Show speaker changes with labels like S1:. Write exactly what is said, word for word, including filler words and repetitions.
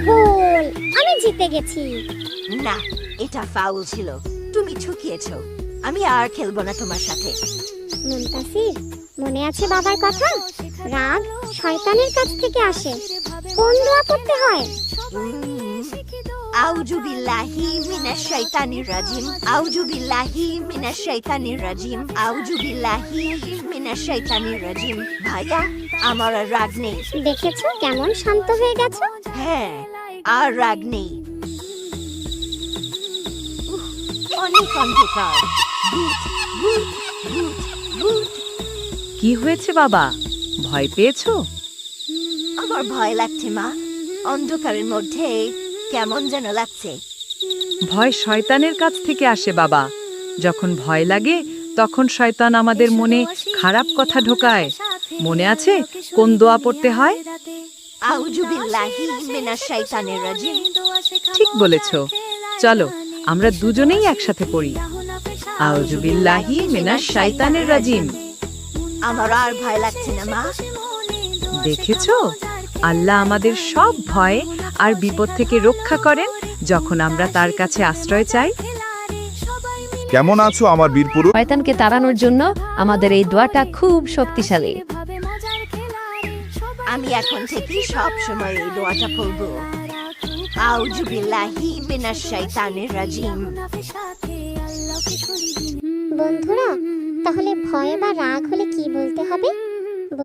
S1: ভুল, আমি জিতে গেছি।
S2: না, এটা ফাউল ছিল, তুমি ঠকিয়েছো। আমি আর খেলবো না তোমার সাথে।
S1: মুনতাসির, মনে আছে বাবার কথা? রাগ শয়তানের কাছ থেকে আসে। কোন দোয়া পড়তে হয়?
S2: আউযু বিল্লাহি মিনাশ শাইতানির রাজিম, আউযু বিল্লাহি মিনাশ শাইতানির রাজিম, আউযু বিল্লাহি মিনাশ শাইতানির রাজিম। ভাইয়া, আমার আর রাগ নেই।
S1: দেখেছো কেমন শান্ত হয়ে গেছো?
S2: হ্যাঁ, আর রাগ নেই। উফ, অনেক অন্ধকার। ভূত, ভূত, ভূত, ভূত।
S3: কি হয়েছে বাবা, ভয় পেয়েছো?
S2: আমার ভয় লাগছে মা, অন্ধকারের মধ্যে কেমন যেন লাগছে।
S3: ভয় শয়তানের কাছ থেকে আসে বাবা। যখন ভয় লাগে তখন শয়তান আমাদের মনে খারাপ কথা ঢোকায়। মনে আছে কোন দোয়া পড়তে হয়?
S2: আউযু বিল্লাহি মিনাশ শাইতানির রাজিম।
S3: ঠিক বলেছো, চলো আমরা দুজনেই একসাথে পড়ি। আউযু বিল্লাহি মিনাশ শাইতানির রাজিম।
S2: আমার আর ভয় লাগছে না মা।
S3: দেখেছো, আল্লাহ আমাদের সব ভয় আর বিপদ থেকে রক্ষা করেন যখন আমরা তার কাছে আশ্রয় চাই।
S4: কেমন আছো আমার বীরপুরুষ?
S5: শয়তানকে তাড়ানোর জন্য আমাদের এই দোয়াটা খুব শক্তিশালী।
S2: আমি এখন থেকে সব সময় এই দোয়াটা পড়বো। আউযু বিল্লাহি মিনাশ শাইতানির রাজিম।
S1: বন্ধুরা, তাহলে ভয় বা রাগ হলে কি বলতে হবে?